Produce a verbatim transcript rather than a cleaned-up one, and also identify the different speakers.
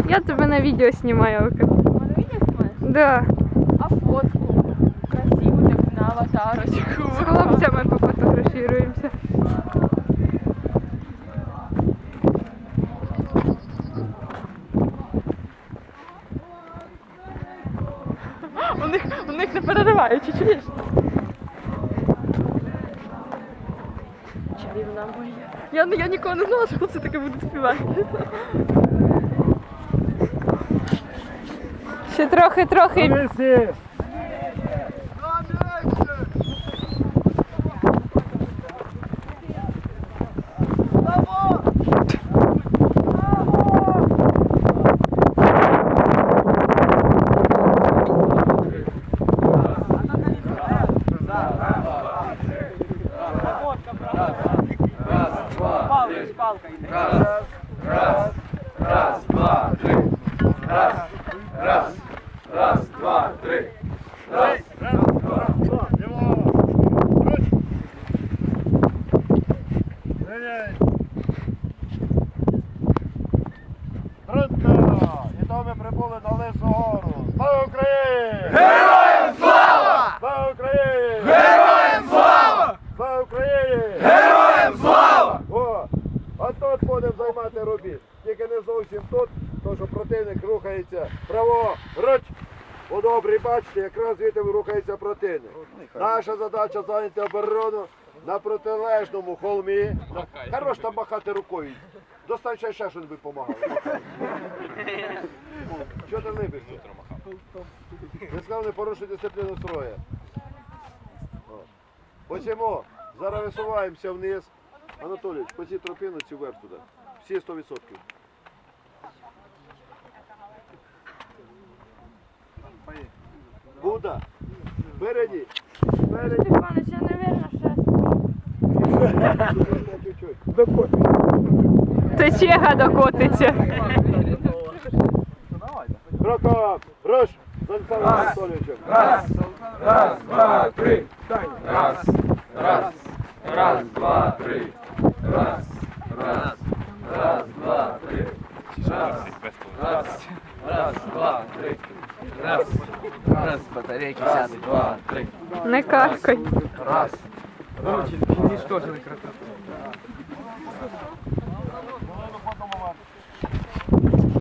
Speaker 1: Я тебе на видео снимаю.
Speaker 2: На видео снимаешь?
Speaker 1: Да.
Speaker 2: А фотку? Красивую так на аватарочку.
Speaker 1: С хлопцами пофотографируемся.
Speaker 2: У них, у них не переривають, чи чуєш? Чарівна моя. Я, я ніколи не знала, що хлопці таке будуть співати.
Speaker 1: Ще трохи-трохи.
Speaker 3: Раз, раз, раз, два, три. Раз, раз, раз, два, три. Раз, раз, два, два.
Speaker 4: Трудно! І то ми прибули на Лису гору. Слава Україні!
Speaker 3: Героям слава!
Speaker 4: Слава Україні!
Speaker 3: Героям слава!
Speaker 4: Слава Україні!
Speaker 3: Героям слава!
Speaker 4: О, а тут будемо займати робіт. Тільки не зовсім тут, тому що противник рухається праворуч. По добрі бачите, якраз звідти рухається противник. Наша задача зайняти оборону на протилежному холмі. Хорош там махати рукою. Достань ще ще, щоб допомагало. Чого ти липишся? Ви сказав, не порушуй дисципліну строя. Посімо, зараз висуваємося вниз. Анатолійович, по цій тропину цю вверх туди. Всі сто відсотків. Буда, впереді, впереді.
Speaker 2: Степанович, я, наверное, сейчас.
Speaker 4: Чуть-чуть.
Speaker 1: Течега докотиться.
Speaker 4: Кроком, руш, з Олександром Анатолійовичем.
Speaker 3: Раз, раз, два, три. Раз, раз, раз, два, три. Раз, раз, раз, два, три. Раз, раз, раз, два, три. Раз, раз, батарейки сядут, два, три.
Speaker 1: Не каркай.
Speaker 3: Раз,
Speaker 5: Короче, уничтожили красоту.